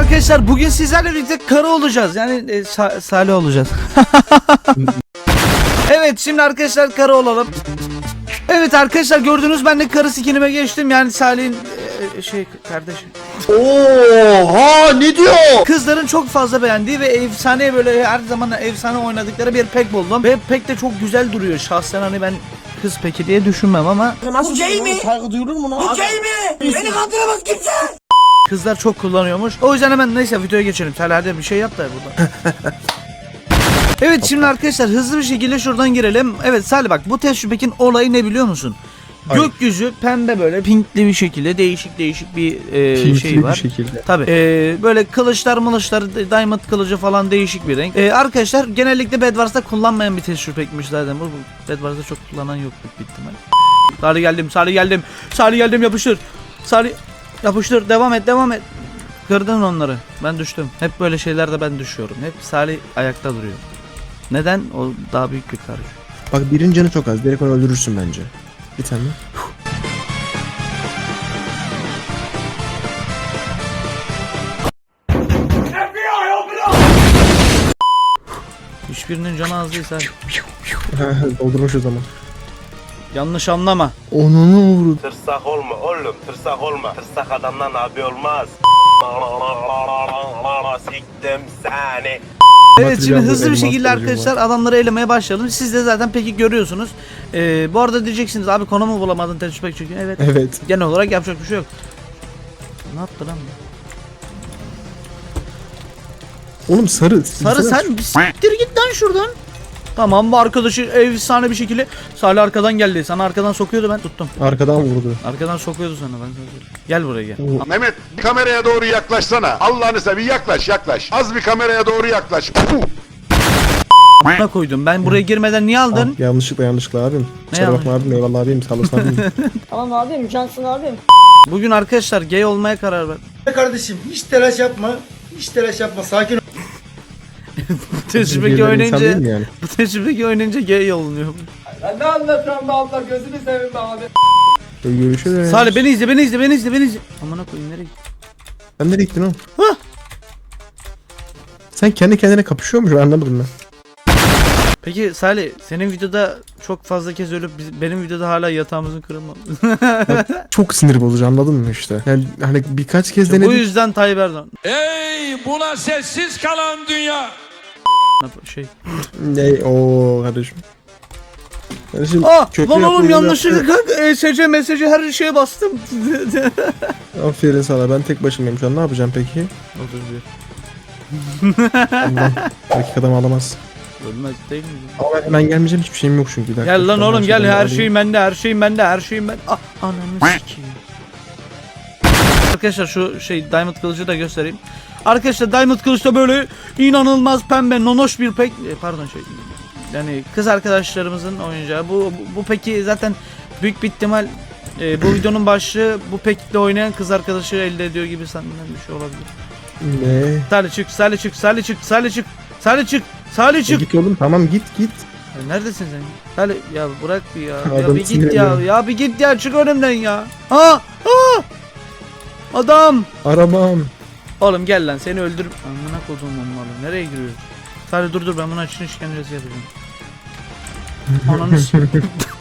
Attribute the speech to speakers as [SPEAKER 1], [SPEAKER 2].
[SPEAKER 1] Arkadaşlar bugün sizlerle birlikte karı olacağız. Yani Salih olacağız. Evet şimdi arkadaşlar karı olalım. Evet arkadaşlar gördünüz ben de karı skinime geçtim. Yani Salih'in kardeşi.
[SPEAKER 2] Oha ne diyor?
[SPEAKER 1] Kızların çok fazla beğendiği ve efsane böyle her zaman efsane oynadıkları bir pek buldum. Ve pek de çok güzel duruyor. Şahsen hani ben kız peki diye düşünmem ama.
[SPEAKER 2] Bu gay mi? Saygı duyulur mu lan? Bu gay mi? Beni kandıramaz kimse.
[SPEAKER 1] Kızlar çok kullanıyormuş. O yüzden hemen neyse videoya geçelim. Salih hadi bir şey yap da burada. Evet şimdi arkadaşlar hızlı bir şekilde şuradan girelim. Evet Salih bak bu tecrübekin olayı ne biliyor musun?
[SPEAKER 2] Hayır.
[SPEAKER 1] Gökyüzü pembe böyle pinkli bir şekilde değişik bir şey var. Tabii. Böyle kılıçlar diamond kılıcı falan değişik bir renk. Arkadaşlar genellikle Bedwars'ta kullanmayan bir tecrübekmiş zaten. Bu Bedwars'ta çok kullanan yok büyük ihtimal. Salih geldim yapıştır. Salih yapıştır devam et. Kırdın onları. Ben düştüm. Hep böyle şeylerde ben düşüyorum. Hep Salih ayakta duruyor. Neden? O daha büyük bir karış.
[SPEAKER 3] Bak birinin canı çok az. Direkt onu öldürürsün bence. Bir tane.
[SPEAKER 1] Hiçbirinin canı az değil Salih.
[SPEAKER 3] Doldurmuş o zaman.
[SPEAKER 1] Yanlış anlama.
[SPEAKER 3] Onu vurdu.
[SPEAKER 4] Tırsak olma oğlum, tırsak olma. Tırsak adamdan abi olmaz. Siktim seni.
[SPEAKER 1] Evet şimdi hızlı bir
[SPEAKER 3] elmas
[SPEAKER 1] şekilde
[SPEAKER 3] kılıcım
[SPEAKER 1] arkadaşlar adamları elemeye başlayalım. Siz de zaten peki görüyorsunuz. Bu arada diyeceksiniz abi konumu bulamadın tecrübe çünkü. Evet.
[SPEAKER 3] Evet.
[SPEAKER 1] Genel olarak yapacak bir şey yok. Ne yaptı lan bu?
[SPEAKER 3] Oğlum sarı.
[SPEAKER 1] Sarı sen bir siktir git lan şuradan. Tamam bu arkadaşı efsane bir şekilde Salih arkadan geldi. Sana arkadan sokuyordu ben tuttum.
[SPEAKER 3] Arkadan vurdu.
[SPEAKER 1] Arkadan sokuyordu sana ben sana söyleyeyim. Gel buraya gel.
[SPEAKER 5] Mehmet bir kameraya doğru yaklaşsana. Allah'ını seveyim yaklaş. Az bir kameraya doğru yaklaş.
[SPEAKER 1] Ne koydum? Ben buraya girmeden niye aldın?
[SPEAKER 3] Yanlışlıkla abim. Kusura
[SPEAKER 1] yanlış?
[SPEAKER 3] bakma abim. Eyvallah abim. Sağ olasın abim.
[SPEAKER 6] Tamam abim, cansın abim.
[SPEAKER 1] Bugün arkadaşlar gay olmaya karar verdim.
[SPEAKER 2] Kardeşim hiç telaş yapma. Hiç telaş yapma. Sakin ol.
[SPEAKER 1] Tecrübeki
[SPEAKER 3] Diğerleri insan değil
[SPEAKER 1] oynayınca
[SPEAKER 3] mi yani?
[SPEAKER 1] bu tecrübeki oynayınca gay olunuyor.
[SPEAKER 6] Ben ne anlatıyorum be abla, gözünü seveyim be abi.
[SPEAKER 3] Görüşürüz.
[SPEAKER 1] Salih beni izle. Amına koyayım nereye gittin?
[SPEAKER 3] Sen nereye gittin oğlum?
[SPEAKER 1] Hah!
[SPEAKER 3] Sen kendi kendine kapışıyormuş anlamadım ben.
[SPEAKER 1] Peki Salih senin videoda çok fazla kez ölüp benim videoda hala yatağımızın kırılmaması.
[SPEAKER 3] Çok sinir bozucu anladın mı işte? Yani hani birkaç kez
[SPEAKER 1] Bu
[SPEAKER 3] denedik.
[SPEAKER 1] yüzden Tayyip Erdoğan.
[SPEAKER 7] Ey buna sessiz kalan dünya.
[SPEAKER 1] Şey.
[SPEAKER 3] Ne o kardeşim. Kardeşim köprü
[SPEAKER 1] Lan oğlum
[SPEAKER 3] yapmayı
[SPEAKER 1] yanlışlıkla ESC mesajı her şeye bastım.
[SPEAKER 3] Aferin sana ben tek başımayım şu an ne yapacağım peki? Allah dakikada alamaz.
[SPEAKER 1] Ölmez değil mi?
[SPEAKER 3] Ama ben hemen gelmeyeceğim hiçbir şeyim yok çünkü.
[SPEAKER 1] Gel lan oğlum gel her
[SPEAKER 3] şey.
[SPEAKER 1] şeyim bende. Ah ananı sikeyim. Arkadaşlar şu diamond kılıcı da göstereyim. Arkadaşlar diamond kılıç da böyle inanılmaz pembe nonoş bir pek yani kız arkadaşlarımızın oyuncağı. Bu peki zaten büyük bir ihtimal bu videonun başlığı bu pekle oynayan kız arkadaşı elde ediyor gibi sanırım bir şey olabilir.
[SPEAKER 3] Ne?
[SPEAKER 1] Salih çık.
[SPEAKER 3] Git oğlum tamam git.
[SPEAKER 1] Ya neredesin sen? Salih ya bırak bir ya. Ya
[SPEAKER 3] Adam
[SPEAKER 1] bir git
[SPEAKER 3] sinirleniyor.
[SPEAKER 1] ya. Ya bir git ya çık önümden ya. Adam.
[SPEAKER 3] Arabam.
[SPEAKER 1] Oğlum gel lan seni öldürüp amına koduğum oğlum nereye giriyorsun? Salih dur ben buna için işkencesi yapacağım. Ananı